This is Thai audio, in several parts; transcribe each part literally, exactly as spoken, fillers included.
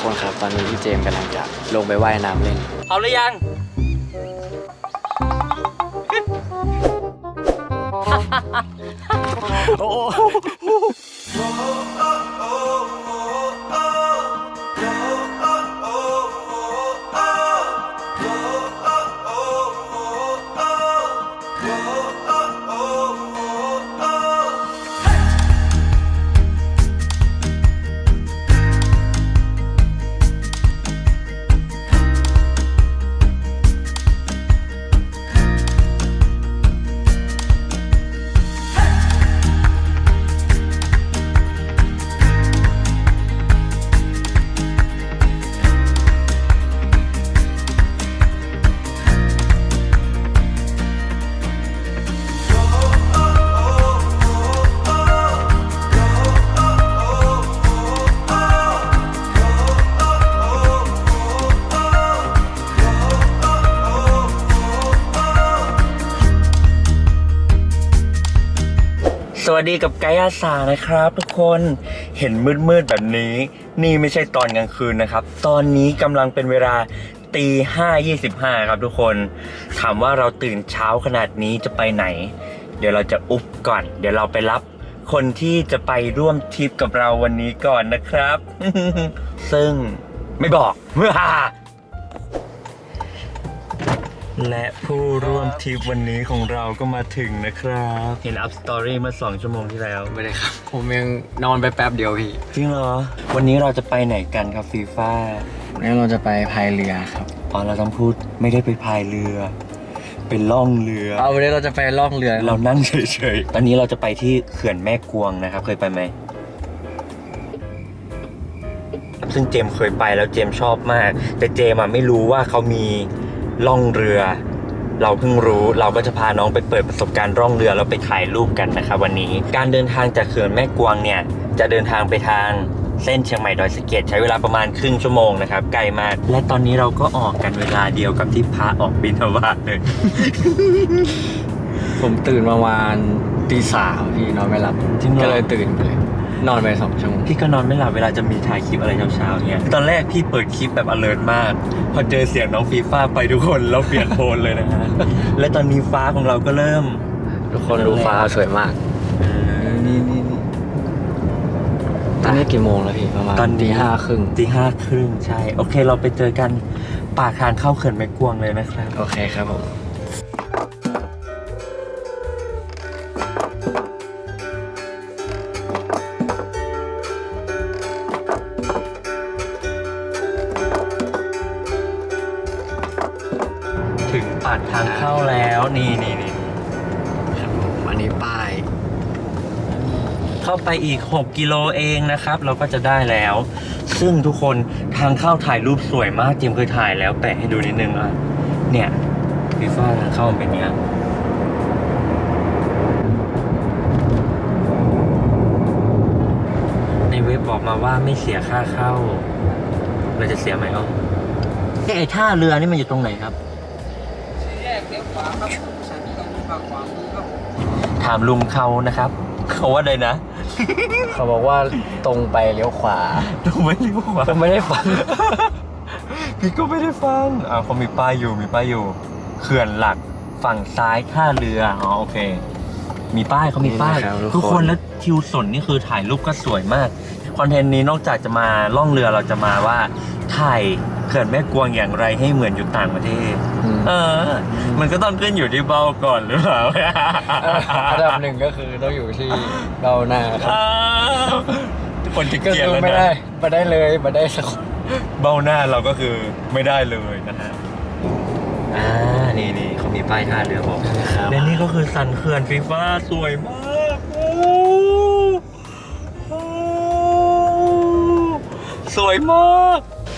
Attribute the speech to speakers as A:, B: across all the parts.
A: คนครับตอนนี้พี่เจมส์กำลังจะลงไปว่ายน้ำเล่นพร้อมหรือยัง โอ้สวัสดีกับไกด์อาสานะครับทุกคนเห็นมืดๆแบบนี้นี่ไม่ใช่ตอนกลางคืนนะครับตอนนี้กำลังเป็นเวลาตีห้ายี่สิบห้าครับทุกคนถามว่าเราตื่นเช้าขนาดนี้จะไปไหนเดี๋ยวเราจะอุบก่อนเดี๋ยวเราไปรับคนที่จะไปร่วมทริปกับเราวันนี้ก่อนนะครับ ซึ่งไม่บอกและผู้ร่วมทริปวันนี้ของเราก็มาถึงนะครับเห็นอัพสตอรี่เมื่อสองชั่วโมงที่แล้ว
B: ไม่ได้ครับผมยังนอนไปแป๊บเดียวพี่
A: จริงเหรอวันนี้เราจะไปไหนกันครับฟีฟ่า
B: วันนี้เราจะไปพายเรือครับ
A: อ๋อเราต้องพูดไม่ได้ไปพายเรือเป็นล่องเรือ
B: เอาวันนี้เราจะไปล่องเรือ
A: เรานั่งเฉยๆตอนนี้เราจะไปที่เขื่อนแม่กวงนะครับเคยไปไหมซึ่งเจมเคยไปแล้วเจมชอบมากแต่เจมไม่รู้ว่าเขามีล่องเรือเราเพิ่งรู้เราก็จะพาน้องไปเปิดประสบการณ์ล่องเรือแล้วไปถ่ายรูปกันนะครับวันนี้การเดินทางจากเขื่อนแม่กวงเนี่ยจะเดินทางไปทางเส้นเชียงใหม่ดอยสะเก็ดใช้เวลาประมาณครึ่งชั่วโมงนะครับไกลมากและตอนนี้เราก็ออกกันเวลาเดียวกับที่พระออกบิณฑบาตเลย
B: ผมตื่นประมาณตีสามพี่นอนไม่หลับก็เลยตื่นไปเลยนอนไปสองชั่วโมง
A: พี่ก็นอนไม่หลับเวลาจะมีถ่ายคลิปอะไรเช้าๆเนี่ยตอนแรกพี่เปิดคลิปแบบ alert มากพอเจอเสียงน้องฟีฟ่าไปทุกคนแล้วเปลี่ยนโทนเลยนะฮะ และตอนนี้ฟ้าของเราก็เริ่ม
B: ทุกคนดูฟ้าสวยมาก
A: นี่นี่นี่
B: ตอนนี้กี่โมงแล้วพี่ประมาณ
A: ตอน
B: ตีห้าครึ่ง
A: ตีห้าครึ่งใช่โอเคเราไปเจอกันปากทางเข้าเขื่อนแม่กวงเลยนะครับ
B: โอเคครับผม
A: ถึงปากทางเข้าแล้วนี่นี่นี่
B: ครับผมอันนี้ป้าย
A: เข้าไปอีกหกกิโลเองนะครับเราก็จะได้แล้วซึ่งทุกคนทางเข้าถ่ายรูปสวยมากเจมเคยถ่ายแล้วแปะให้ดูนิดนึงอ่ะเนี่ยฟีฟ่าทางเข้ามันเป็นเนี้ยในเว็บบอกมาว่าไม่เสียค่าเข้าเราจะเสียไหมอ๋อไอ้ท่าเรือนี่มันอยู่ตรงไหนครับถามลุงเขานะครับเขาว่าใดนะ
B: เขาบอกว่าตรงไปเลี้ยวขวา
A: ตรงไปเลี้ยวขวา
B: ผมไม่ได้ฟัง
A: พี่ก็ไม่ได้ฟังอ่าเขามีป้ายอยู่มีป้ายอยู่เขื่อนหลักฝั่งซ้ายท่าเรืออ๋อโอเคมีป้ายเขามีป้ายทุกคนแล้วทิวสนนี่คือถ่ายรูปก็สวยมากคอนเทนต์นี้นอกจากจะมาล่องเรือเราจะมาว่าถ่ายเขื่อนแม่กวงอย่างไรให้เหมือนอยู่ต่างประเทศเออมันก็ต้องขึ้นอยู่ที่เบ้าก่อนหรือเปล่า
B: อันดับหนึ่งก็คือต้องอยู่ที่เบ้าหน้าครับ
A: คนที่เกียร์แล้วนะ
B: ไม่ได้ไม่ได้เลยไม่ได้สัก
A: เบ้าหน้าเราก็คือไม่ได้เลยนะฮะอ่านี่นี่เขามีป้ายท่าเรือบอกและนี่ก็คือสันเขื่อนฟีฟ่าสวยมากสวยมาก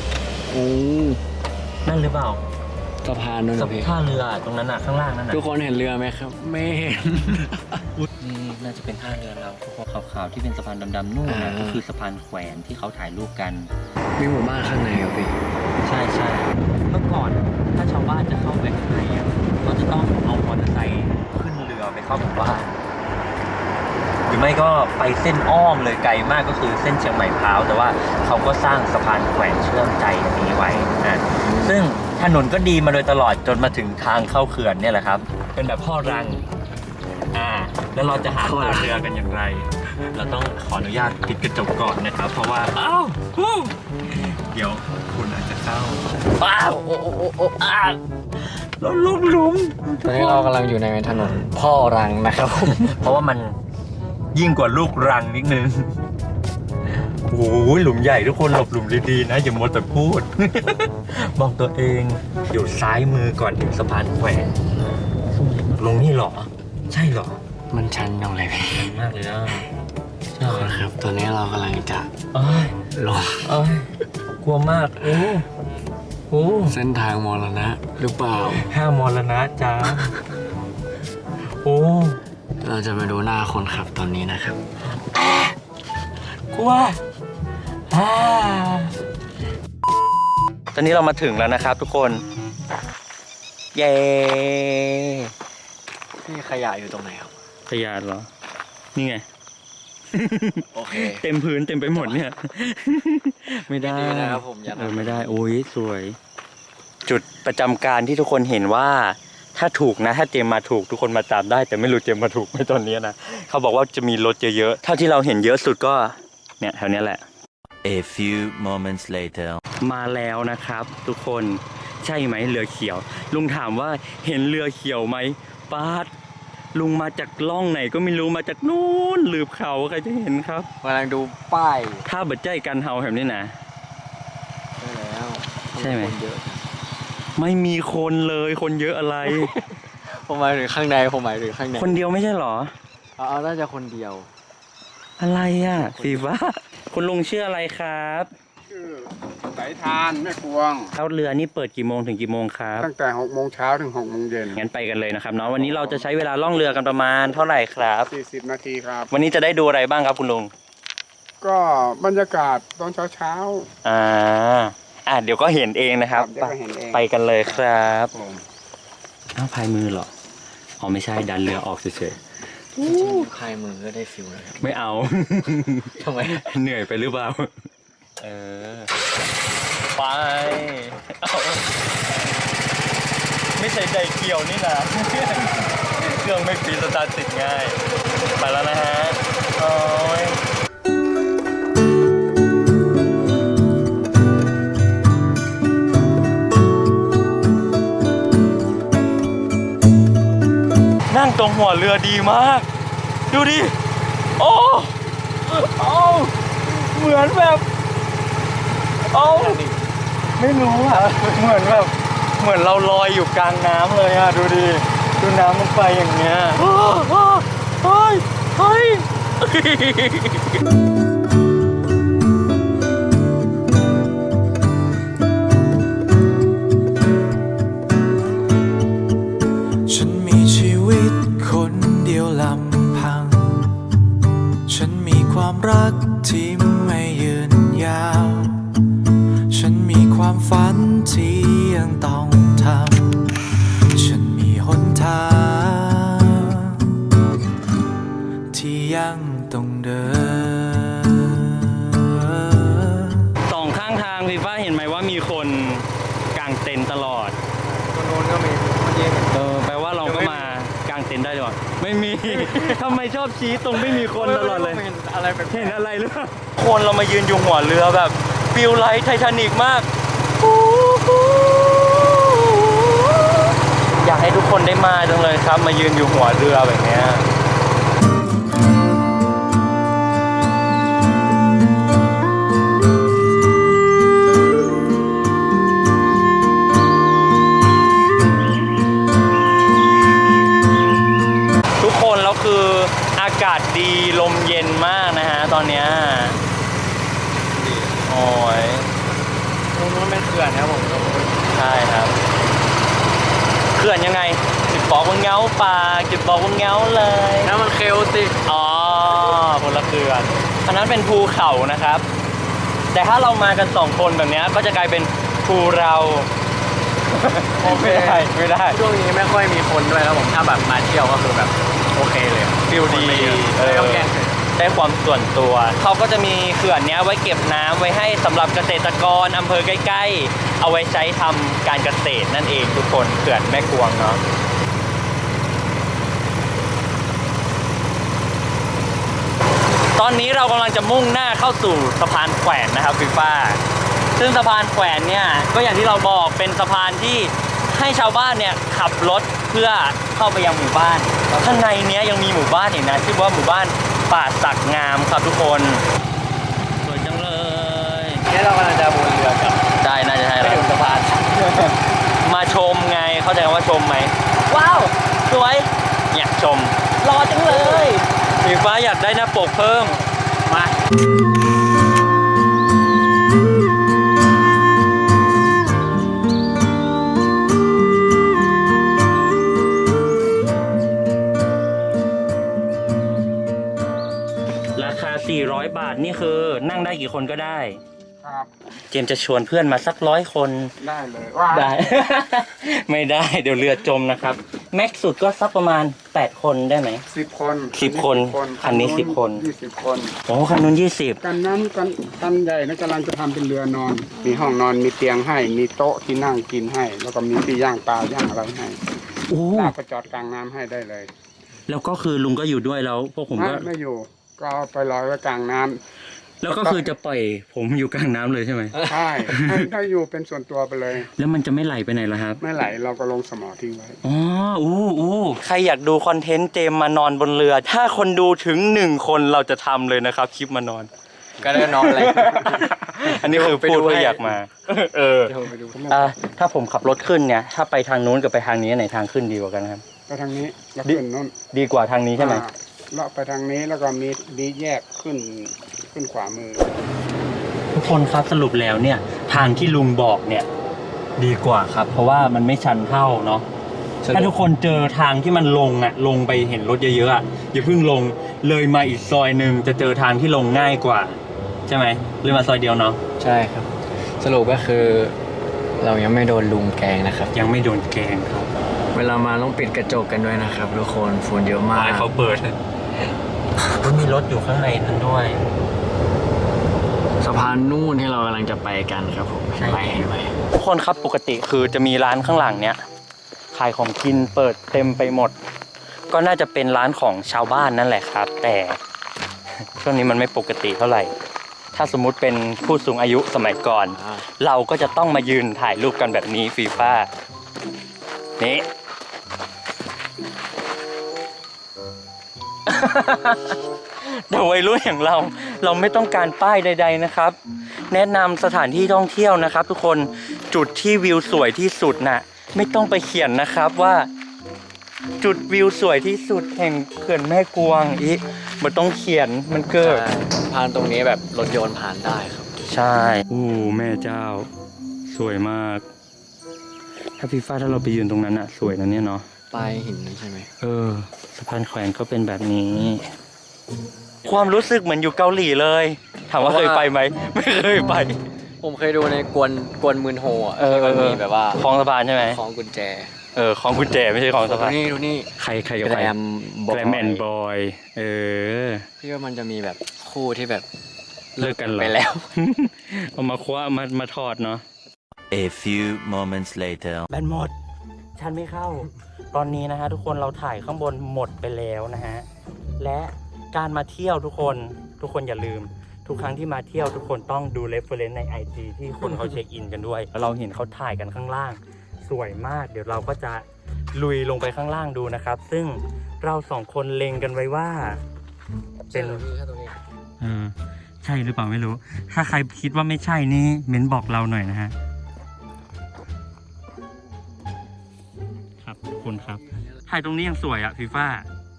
A: นั่นหรือเปล่า
B: สะพานนั่นนะพี่
A: ท่าเรือตรงนั้นน่ะข้างล่างนั่นน่ะ
B: ทุกคนเห็นเรือไหมครับไม่เห็น
A: นี่น่าจะเป็นท่าเรือเราทุกคนขาวๆที่เป็นสะพานดำๆนู่นนะก็คือสะพานแขวนที่เขาถ่ายรูปกัน
B: มีหมู่บ้านข้างในครับพี่
A: ใช่ใช่เมื่อก่อนถ้าชาวบ้านจะเข้าไปข้างในอ่ะก็จะต้องเอามอเตอร์ไซค์ขึ้นเรือไปเข้าหมู่บ้านหรือไม่ก็ไปเส้นอ้อมเลยไกลมากก็คือเส้นเชียงใหม่พร้าวแต่ว่าเขาก็สร้างสะพานแขวนเชื่อมใจอันนี้ไว้นะซึ่งถนนก็ดีมาโดยตลอดจนมาถึงทางเข้าเขื่อนเนี่ยแหละครับเป็นแบบพ่อรังอ่าแล้วเราจะหาท่าเรือกันอย่างไร เราต้องขออนุญาตปิดกระจกก่อนนะครับเพราะว่าอ้าวฮู้เดี๋ยวคุณอาจจะเข้าอ้าวโอ้โอ้โอ้โอ้อ้าวเราลงหลุม
B: ตอนนี้เรากำลังอยู่ในถนนพ่อรังนะครับผม
A: เพราะว่ามันยิ่งกว่าลูกรังนิดนึงโอ้ยหลุมใหญ่ทุกคนหลบหลุมดีๆนะอย่ามัวแต่พูด บอกตัวเองอยู่ซ้ายมือก่อนถึงสะพานแขวนลงนี่เหรอ ใช่เหรอ
B: มันชันยังไงพี่
A: มากเลยอ่ะ
B: ทุกคนครับตอนนี้เรากำลังจะ
A: เอ้ย
B: ลง
A: เอ้ยกลัวมากโอ้โอ้
B: เส้นทางมรณะหรือเปล่า
A: ห้ามรณะจ้าโอ้
B: เราจะมาดูหน้าคนขับตอนนี้นะครับ
A: กลัวอ่าตอนนี้เรามาถึงแล้วนะครับทุกคน เย้
B: พี่ขยะอยู่ตรงไหนครับ
A: ขยะเหรอ นี่ไง
B: โอเค
A: เต็มพื้นเต็มไปหมดเนี่ย ไม่ได้
B: ไม่ดีนะครับผมอย่าทำ
A: เออไม่ได้ โอ้ยสวย จุดประจำการที่ทุกคนเห็นว่า ถ้าถูกนะ ถ้าเจมมาถูกทุกคนมาตามได้ แต่ไม่รู้เจมมาถูกไหมตอนนี้นะ เขาบอกว่าจะมีรถเยอะๆเท่าที่เราเห็นเยอะสุดก็ เนี่ยแถวนี้แหละ
C: A few moments later
A: มาแล้วนะครับ ทุกคนใช่ไหมเรือเขียว ลุงถามว่าเห็นเรือเขียวไหมป้าดลุงมาจากล่องไหนก็ไม่รู้มาจากนู้นหลืบเขาใครจะเห็นครับ
B: กำลังดูป้าย
A: ถ้าเบัดใจกันเฮาแบบนี้นะ
B: ได้แล้ว
A: ใช่ไหม
B: คนเยอะ
A: ไม่มีคนเลยคนเยอะอะไร
B: ผมหมายถึงข้างในผมหมายถึงข้างใน
A: คนเดียวไม่ใช่เหรอ
B: เอาเอาน่าจะคนเดียว
A: อะไรอ่ะสีฟ้าคุณลุงชื่ออะไรครับ
D: ชื่อสายทานแม่กวง
A: แล้วเรือนี่เปิดกี่โมงถึงกี่โมงครับ
D: ตั้งแต่หกโมงเช้าถึงหกโมงเย็น
A: งั้นไปกันเลยนะครับเนาะวันนี้เราจะใช้เวลาล่องเรือกันประมาณเท่าไหร่ครับ
D: สี่สิบนาทีครับ
A: วันนี้จะได้ดูอะไรบ้างครับคุณลุง
D: ก็บรรยากาศตอนเช้าเช้า
A: อ่า อ่ะเดี๋ยวก็เห็นเองนะครับ
D: เดี๋ยวก็เห็นเอง
A: ไปกันเลยครับ
D: ผม
A: อ้าวพายมือเหรอ อ๋อไม่ใช่ดันเรือออกเฉย
B: จริงๆพายมือก็ได้ฟิลแล้วครับ
A: ๆ ไม่เอา
B: ทำไม
A: เหนื่อยไปหรือเปล่า เออ ไปเอาไม่ใช่ใจเกี่ยวนี่นะ เครื่องไม่ฟีสตาร์ทติดง่าย ไปแล้วนะฮะ โอ้ย นั่งตรงหัวเรือดีมาก ดูดิ โอ้โอ้เหมือนแบบ โอ้ไม่รู้อะเหมือนแบบ เหมือนเราลอยอยู่กลางน้ำเลยอะดูดิ ดูน้ำมันไปอย่างเงี้ยโอ้โอ้เฮ้ยเฮ้ย
E: ฉันมีชีวิตคนเดียวลำพัง ฉันมีความรักที่ไม่ยืนยาว ฉันมีความฝันที่ยังต้องทำ ฉันมีหนทางที่ยังต้องเดิน
A: สองข้างทางพี่ฟ้าเห็นไหมว่ามีคนกางเต็นท์ตลอด
B: ตัวโน้นก็มีเมื่อกี้เห็น
A: เออแปลว่าเราก็มากางเต็นท์ได้ด้วยไม่มี ทำไมชอบชี้ตรงไม่มีคนตลอดเลย
B: ไม่เห็นอะไรแบบ
A: เห็นอะไรหรือเปล่าคนเรามายืนอยู่หัวเรือแบบฟิลไลท์ไททานิกมาก อยากให้ทุกคนได้มาจังเลยครับ มายืนอยู่หัวเรือแบบเนี้ยทุกคนแล้วคืออากาศดีลมเย็นมากนะฮะตอนเนี้ยโอ้ย
B: ตรงนู้นเป็นเขื่อนนะครับผม
A: ใช่ครับ เขื่อนยังไงจุดบอกว่าเงาป่าจุดบอกว่าเงาเลย
B: น้ำมันเคลติก
A: อ๋อคนละเขื่อนอันนั้นเป็นภูเขานะครับ แต่ถ้าเรามากันสองคนแบบเนี้ยก็จะกลายเป็นภูเรา
B: โอเค
A: ไม่ได้ไม่ได้
B: ช่วงนี้ไม่ค่อยมีคนด้วยครับผมถ้าแบบมาเที่ยวก็คือแบบโอเคเลย
A: ฟิลดีเออ
B: ไม่ต้องแกล้ง
A: ได้ความส่วนตัว เขาก็จะมีเขื่อนเนี้ยไว้เก็บน้ำไว้ให้สำหรับเกษตรกรอำเภอใกล้ๆ เอาไว้ใช้ทำการเกษตรนั่นเองทุกคนเขื่อนแม่กวงเนาะตอนนี้เรากำลังจะมุ่งหน้าเข้าสู่สะพานแขวนนะครับฟีฟ้าซึ่งสะพานแขวนเนี่ยก็อย่างที่เราบอกเป็นสะพานที่ให้ชาวบ้านเนี่ยขับรถเพื่อเข้าไปยังหมู่บ้านข้างในเนี้ยยังมีหมู่บ้านอีกนะชื่อว่าหมู่บ้านป่าสักงามครับทุกคนสวยจังเลย
B: เนี่ยเรากำลังจะบนเรือกับ
A: ได้น่าจะใช่
B: ไป
A: แล้ว
B: ถึงสะพาน
A: มาชมไงเข้าใจว่าชมไหมว้าวสวยอยากชมรอจังเลยฟีฟ้าอยากได้หน้าปกเพิ่มมาราคาสี่ร้อยบาทนี่คือนั่งได้กี่คนก็ได้
D: ครับ
A: เจมส์จะชวนเพื่อนมาสักร้อยคน
D: ได้เลยว่า
A: ได้ ไม่ได้เดี๋ยวเรือจมนะครับ แม็กซ์สุดก็สักประมาณแปดคนได้ไหม
D: สิบคน
A: สิบคนคันนี้สิบคน
D: ยี่สิบคน
A: โอ้คันนู้นยี่สิบ
D: กันนั้นกันกันใหญ่นะกำลังจะทำเป็นเรือนอน มีห้องนอนมีเตียงให้ มีโต๊ะที่นั่งกินให้ แล้วก็มีที่ย่างปลาย่างอะไรให้
A: โอ้
D: ลากไปจอดกลางน้ำให้ได้เลย
A: แล้วก็คือลุงก็อยู่ด้วยแล้วพวกผม
D: ไม่
A: ก็
D: ไม่อยู่ ก็เอาไปลอยไว้กลางน้ำ
A: แล้วก็คือจะปล่อยผมอยู่กลางน้ำเลยใช่ไหม
D: ใช่ให้ให้อยู่เป็นส่วนตัวไปเลย
A: แล้วมันจะไม่ไหลไปไหนล่ะครับ
D: ไม่ไหลเราก็ลงสมอทิ้งไว้
A: อ๋ออู้อู้ใครอยากดูคอนเทนต์เจมมานอนบนเรือ ถ้าคนดูถึงหนึ่งคนเราจะทำเลยนะครับคลิปมานอน
B: ก็ได้นอนอะไร
A: อันนี้คือพูดว่าอยากมา เออ
B: เดี๋ยวไปดู
A: อ่ะถ้าผมขับรถขึ้นเนี่ย ถ้าไปทางนู้นกับไปทางนี้ไหนทางขึ้นดีกว่ากันครับ
D: ไปทางนี้แล้วขึ้นนู่น
A: ดีกว่าทางนี้ใช่ไหม
D: อ่าเลาะไปทางนี้แล้วก็มีมีแยกขึ้นขึ้นขวามือ
A: ทุกคนครับสรุปแล้วเนี่ย ทางที่ลุงบอกเนี่ย ดีกว่าครับ เพราะว่ามันไม่ชันเท่าเนาะถ้าทุกคนเจอทางที่มันลงอะลงไปเห็นรถเยอะๆอะอย่าเพิ่งลงเลยมาอีกซอยหนึ่งจะเจอทางที่ลงง่ายกว่า ใช่ไหมเลยมาซอยเดียวเนาะ
B: ใช่ครับ สรุปก็คือ เรายังไม่โดนลุงแกงนะครับ
A: ยังไม่โดนแกงครับ
B: เวลามาต้องปิดกระจกกันด้วยนะครับทุกคนฝุ่นเยอะมาก
A: ให้เขาเปิดก็มีรถอยู่ข้างในนั้นด้วย
B: สะพานนู่นที่เรากำลังจะไปกันครับผม
A: ใช่
B: ไปเห็นไหม
A: ทุกคนครับปกติคือจะมีร้านข้างหลังเนี้ยขายของกินเปิดเต็มไปหมด ก็น่าจะเป็นร้านของชาวบ้านนั่นแหละครับ แต่ ช่วงนี้มันไม่ปกติเท่าไหร่ ถ้าสมมุติเป็นผู้สูงอายุสมัยก่อน
B: อ่า
A: เราก็จะต้องมายืนถ่ายรูปกันแบบนี้ฟีฟ่านี่ แต่วัยรุ่นอย่างเราเราไม่ต้องการป้ายใดๆนะครับ แนะนำสถานที่ท่องเที่ยวนะครับ ทุกคนจุดที่วิวสวยที่สุดน่ะไม่ต้องไปเขียนนะครับว่า จุดวิวสวยที่สุดแห่งเขื่อนแม่กวงอีมันต้องเขียนมันเกิด
B: สะพานตรงนี้แบบรถยนต์ผ่านได้ครับ
A: ใช่อู้แม่เจ้า สวยมาก ถ้าฟีฟ้าถ้าเราไปยืนตรงนั้นอะสวยนะเนี่ยเนาะ
B: ปลายหินนั่นใช่ไหม
A: เออสะพานแขวนก็เป็นแบบนี้ ความรู้สึกเหมือนอยู่เกาหลีเลย ถามว่าเคยไปไหม ไม่เคยไป
B: ผมเคยดูในกวนกวนมืนโฮอ่ะ
A: เออ
B: ที่มันมีแบบว่า
A: คลองสะพานใช่ไหม
B: ของกุญแจ
A: เออคลองกุญแจไม่ใช่คลองสะ
B: ดู
A: พาน
B: นี่ดูนี่
A: ใครใครกับ
B: แก
A: ใคร
B: รมบอย
A: แกรมแอนบอย เออ
B: พี่ว่ามันจะมีแบบคู่ที่แบบ
A: เลิกกันเหรอ
B: ไปแล้ว
A: เอามาคว้ามามาทอดเนาะ
C: A few moments later.
A: แบนหมด ชันไม่เข้า ตอนนี้นะฮะทุกคนเราถ่ายข้างบนหมดไปแล้วนะฮะ และการมาเที่ยวทุกคน ทุกคนอย่าลืม ทุกครั้งที่มาเที่ยวทุกคนต้องดูเรฟเฟอเรนซ์ใน ไอ จี ที่คนเขาเช็คอินกันด้วยแล้วเราเห็นเขาถ่ายกันข้างล่าง สวยมาก เดี๋ยวเราก็จะลุยลงไปข้างล่างดูนะครับ ซึ่งเราสองคนเล็งกันไว้ว่า เป็น เออใช่หรือเปล่าไม่รู้ ถ้าใครคิดว่าไม่ใช่นี่เม้นบอกเราหน่อยนะฮะ ครับขอบคุณครับ ถ่ายตรงนี้ยังสวยอ่ะฟีฟ่า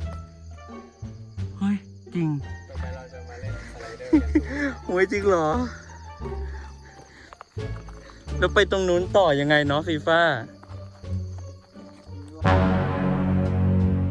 A: เฮ้ย จริง
B: ต่อไปเราจะมาเล่นสไลเดอร์กัน
A: โอ้ยจริงเหรอ แล้วไปตรงนู้นต่อยังไงเนาะฟีฟ่า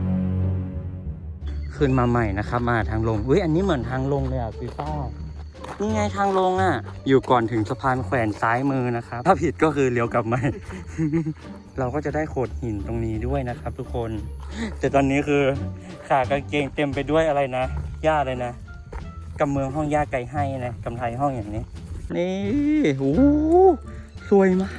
A: ขึ้นมาใหม่นะครับ มาทางลงอุ้ยอันนี้เหมือนทางลงเลยอ่ะฟีฟ่านี่ไงทางลงอ่ะ อยู่ก่อนถึงสะพานแขวนซ้ายมือนะครับ ถ้าผิดก็คือเลี้ยวกลับมา เราก็จะได้โขดหินตรงนี้ด้วยนะครับ ทุกคน แต่ตอนนี้คือขากางเกงเต็มไปด้วยอะไรนะหญ้าเลยนะกำเมืองห้องหญ้าไก่ให้นะกำไทยห้องอย่างนี้ นี่โอ้สวยมาก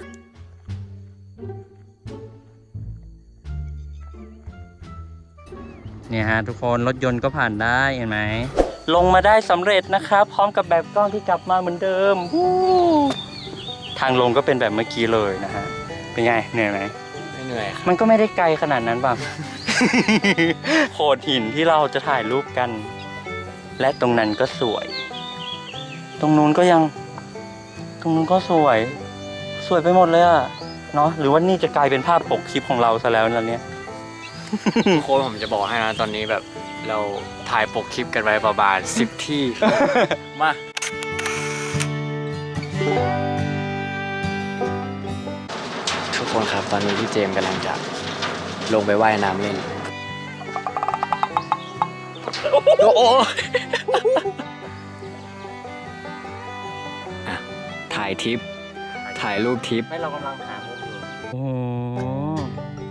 A: เนี่ยฮะทุกคนรถยนต์ก็ผ่านได้เห็นไหมลงมาได้สำเร็จนะครับ พร้อมกับแบบกล้องที่กลับมาเหมือนเดิมวู้ทางลงก็เป็นแบบเมื่อกี้เลยนะฮะเป็นไงเหนื่อยไหม
B: ไม่เหนื่อยครับ
A: มันก็ไม่ได้ไกลขนาดนั้นป่ะ โขดหินที่เราจะถ่ายรูปกัน และตรงนั้นก็สวย ตรงนู้นก็ยัง ตรงนู้นก็สวย สวยไปหมดเลยอะเนาะหรือว่านี่จะกลายเป็นภาพปกคลิปของเราซะแล้วนั่นเนี่ย
B: โค้ชผมจะบอกให้นะตอนนี้แบบเราถ่ายปกคลิปกันไว้ประมาณสิบที่ มาทุกคนครับตอนนี้พี่เจมส์กำลังจะลงไปว่ายน้ำเล่นโอ้โหอ่ะถ่ายทิป ถ่ายรูปทิป
A: ไม่เรากำลังหามุกอยู่โอ้โห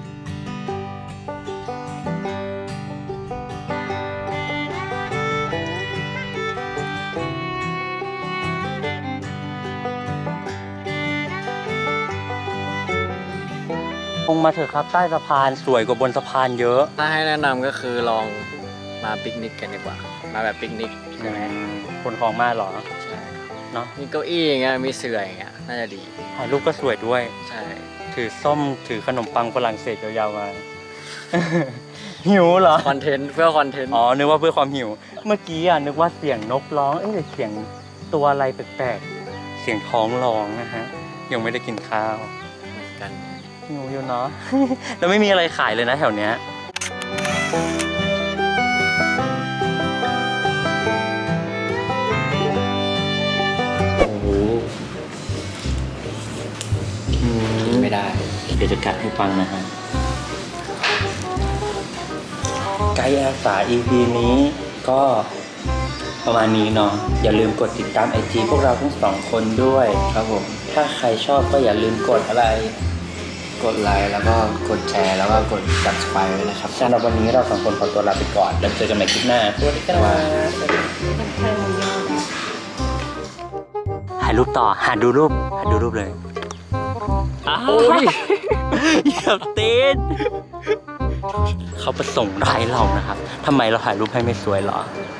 A: ลงมาเถอะครับใต้สะพานสวยกว่าบนสะพานเยอะ
B: ถ้าให้แนะนำก็คือลองมาปิกนิกกันดีกว่า มาแบบปิกนิกใช่ไหม
A: คนของมาเหรอ
B: ใช่
A: เนาะ
B: มีเก้าอี้อย่างเงี้ยมีเสื่ออย่างเงี้ยน่าจะดี
A: ถ่ายรูปก็สวยด้วย
B: ใช่
A: ถือส้มถือขนมปังฝรั่งเศสยาวๆมา หิวเหรอ
B: คอนเทนต์เพื่อคอนเทนต์
A: อ๋อ นึกว่าเพื่อความหิว เมื่อกี้อ่ะนึกว่าเสียงนกร้อง เอ้ยหรือเสียงตัวอะไรแปลกๆ เสียงท้องร้องนะฮะ ยังไม่ได้กินข้าว
B: เหมือนกัน
A: หิวอยู่เนาะ แล้วไม่มีอะไรขายเลยนะแถวเนี้ยโอ้โหอืม
B: ไม่ได้
A: เดี๋ยวจะกัดให้ฟังนะฮะ ไกด์อาสา อี พี นี้ก็ประมาณนี้เนาะอย่าลืมกดติดตามไอจีพวกเราทั้งสองคนด้วยครับผม ถ้าใครชอบก็อย่าลืมกดอะไร
B: กดไลค์แล้วก็กดแชร์แล้วก็กด subscribe ไว้นะครับ
A: สำหรับวันนี้เราสองคนขอตัวลาไปก่อน แล้วเจอกันใหม่คลิปหน้าสวัสดีครับถ่ายรูปต่อ หาดูรูป หาดูรูปเลยโอ้ยเหยียบตีนเขาประสงค์ร้ายเรานะครับทำไมเราถ่ายรูปให้ไม่สวยเหรอ